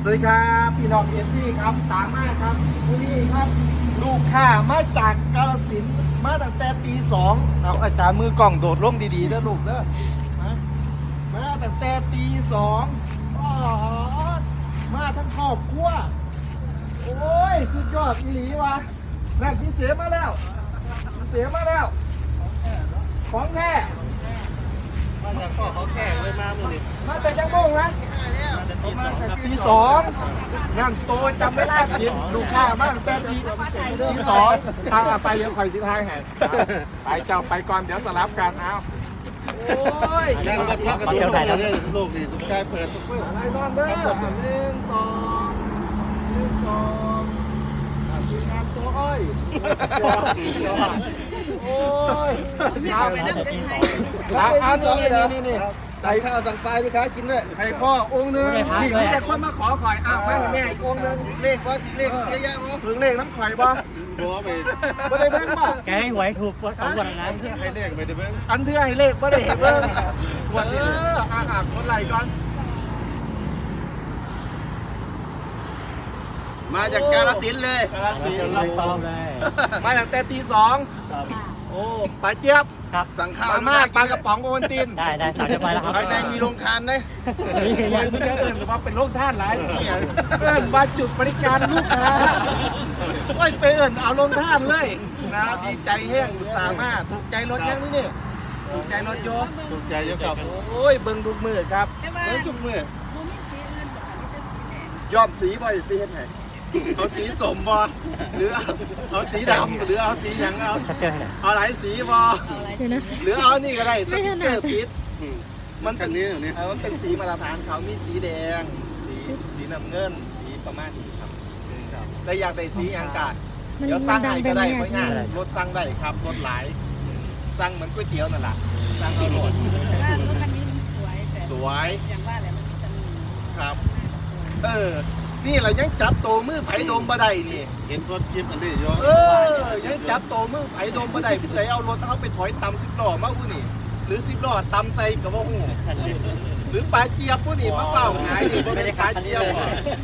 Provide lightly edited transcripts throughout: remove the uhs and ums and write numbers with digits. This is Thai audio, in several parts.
สวัสดีครับพี่น้องเอซี่ครับตามมาครับวันนี้ครับลูกค้ามาจากกาฬสินธุ์มาตั้งแต่ตีสองเอาอาจารย์มือกล่องโดดร่มดีๆเด้อลูกเด้อมาตั้งแต่ตีสองมาทั้งครอบครัวโอ้ยสุดยอดอีหลีวะนั่นพี่เสียมาแล้วพี่เสียมาแล้วของแท้มาจากพ่อเขาแข่งเลยมาหมดนี่มาแต่จังโมงนะมาแต่ตีสองนั่นโตจำไม่ได้ผิดลูกค้ามาตั้งแต่ตีสองทางไปเลี้ยวไข่สิทางแห่งไปเจ้าไปก่อนเดี๋ยวสลับกันเอาโอ้ยนั่งรถพักกระดูกเลยลูกนี่ทุกใจเปิดทุกเมื่ออะไรนอนเด้อ1 2ทีมงานโซ่อ้อยโอ้ยเอาไปนั่งได้ไหมนี่ใส่ข้าวสั่งปลาลูกค้ากินด้วยให้พ่อองค์นึงนี่มีแต่คนมาขอข่อยอ้าวแม่อีกองค์นึงเลขว่าเลขเสียยะมั้งถึงเลขน้ำข่อยบ่บัวไปบ่ได้เบิ่งบ่แกให้หวยถูก2 วันนะเพื่อให้เลขไปเด้อเบิ้งอันเทื่อให้เลขบ่ได้เห็นเบิ่งคนไหลก่อนมาจากกาฬสินธุ์เลยกาฬสินธุ์รับตองเลยมาตั้งแต่ตีสองโอ้ปลาเจี๊ยบครับสั่งข้าวปลามากปลากระป๋องโอวัลตินได้สั่งเรียบร้อยแล้วครับภายในมีโรงทานเลยนี่มึงจะเอิญหรือว่าเป็นโรคท่านไรเอิญมาจุดบริการลูกค้าไม่ไปเอิญเอาลงท่านเลยนะดีใจแห้งสามารถถูกใจรถยังนี่ถูกใจรถโยถูกใจเยอะครับโอ้ยเบิ่งทุกมือครับเบิ่งทุกมือ ยอมสีบ่อยสีเห็นไหนเอาสีสมบ่หรือเอาสีดำหรือเอาสีหยังเอาสเกอร์เนี่ยเอาหลายสีบ่หรือเอานี่ก็ได้สติ๊กเกอร์ติดมันคันนี้นี่มันเป็นสีมาตรฐานเขามีสีแดงสีน้ำเงินสีประมาณนี้ครับแต่อยากได้สีหยังกะเดี๋ยวสั่งให้ก็ได้เพราะง่ายรถสั่งได้ครับรถหลายสั่งเหมือนก๋วยเตี๋ยวนั่นแหละสั่งเอาหมดว่ารถคันนี้มันสวยแต่สวยอย่างว่าแหละมันจะมีครับนี่เรายังจับโตมือไผ่โดมบ่ได้นี่เห็นรถชิปอันนี้เยอะยังจับโตมือไผ่โดมบ่ได้ผู้ใดเอารถเขาไปถอยตำ10 ล้อมาผู้นี่หรือ10 ล้อตำใส่กับว่าหูหรือปลาเจี๊ยบผู้นี่มาเปล่าหายนี่บ่ได้ปลาเจี๊ยบ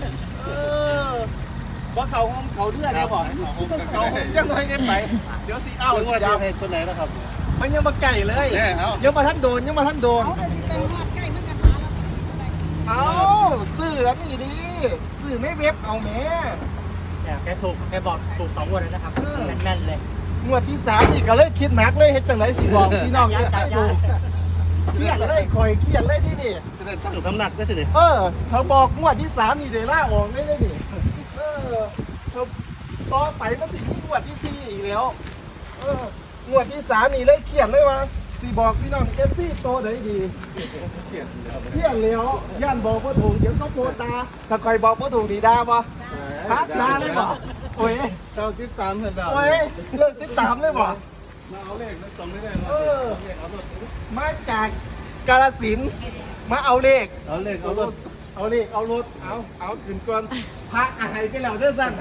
ว่าเขาห้องเขาเลือดเนี่ยบ่เขาห้องจังเลยไงไปเดี๋ยวสิเอาเอาสิว่าดาวให้ตัวไหนนะครับมันยังมาไก่เลยยังมาท่านโดนเขาจะเป็นทอดใกล้เมื่อกันมาแล้วเอาซื้อแล้วนี่ดิซื้อไม่เว็บเอาแม่แกถูกแกบอกถูก2 วันแล้วนะครับแม่นเลยงวดที่3นี่ก็เลยคิดหนักเลยเฮ็ดจังไรสิบอกพี่น้องยังกัดอยู่เครียดเลยคอยเครียดเลยนี่นี่จะได้ตั้งสำนักก็สิเขาบอกงวดที่3นี่เดี๋ยวล่าออกได้เลยนี่เขาต่อไปมันสิมีงวดที่4อีกแล้วงวดที่3นี่เลยเครียดเลยว่าสิบอกพี่น้องเอฟซีโตได้ดีเครียดแล้วย่านบอกว่าถูกเดี๋ยวเขาโพตาถ้าใครบอกว่าถูกดีดาบ่พักดาเลยบ่โอ้ยเจ้าติดตามเห็นแล้วโอ้ยเลิกติดตามเลยบ่มาเอาเลขแล้วส่งไม่ได้มาเลขเอารถมาจากกาฬสินธุ์มาเอาเลขเอาเลขเอารถเอาเลขเอารถเอาขึ้นก่อนพักอะไรไปแล้วเด้อสั้น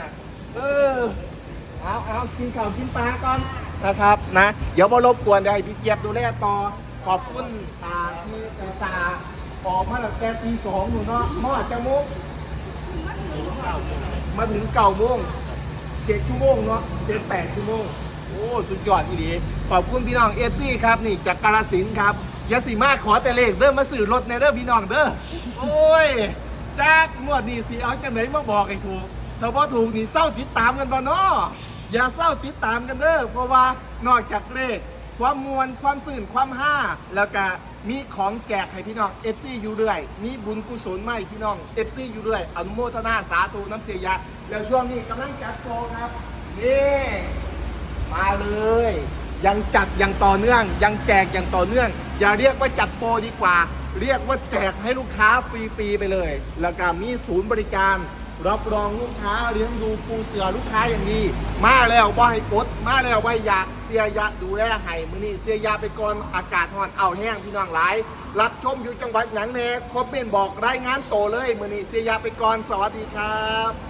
เอากินข้าวกินปลาก่อนนะครับนะเดี๋ยวมารบกวนเดี๋ยวให้พี่เจี๊ยบดูแลต่อขอบคุณที่อุตส่าห์ออกมาตั้งแต่ตี2หนูเนาะมอดจะมุกมาถึง9 โมง7 ชั่วโมงเนาะ7-8 ชั่วโมงโอ้สุดยอดอีหลีขอบคุณพี่น้องเอฟซีครับนี่จากกาฬสินธุ์ครับอย่าสิมาขอแต่เลขเด้อมาสื่อรถในเด้อพี่น้องเด้อโอ้ยจากงวดนี้สิเอาจากไหนมาบอกให้ถูกถ้าพอถูกนี่เศร้าติดตามกันบ่เนาะอย่าเศร้าติดตามกันเด้อเพราะว่านอกจากเลขความมวลความสื่นความห้าแล้วก็มีของแจกให้พี่น้อง FC อยู่เรื่อยมีบุญกุศลใหม่พี่น้อง FC อยู่เรื่อยอนุโมทนาสาธุน้ำเสียยะแล้วช่วงนี้กำลังจัดโปรครับนี่มาเลยยังจัดอย่างต่อเนื่องยังแจกอย่างต่อเนื่องอย่าเรียกว่าจัดโปรดีกว่า เรียกว่าแจกให้ลูกค้าฟรีๆไปเลยแล้วก็มีศูนย์บริการรับรองลูกค้าเลี้ยงดูปูเสือลูกค้าอย่างดีมาแล้วบ่ให้กดมาแล้วบ่อยากเสียยะดูแลให้มื้อนี้เสียยะไปก่อนอากาศร้อนเอาแห้งพี่น้องหลายรับชมอยู่จังหวัดหยังแน่คอมเมนต์บอกรายงานโตเลยมื้อนี้เสียยะไปก่อนสวัสดีครับ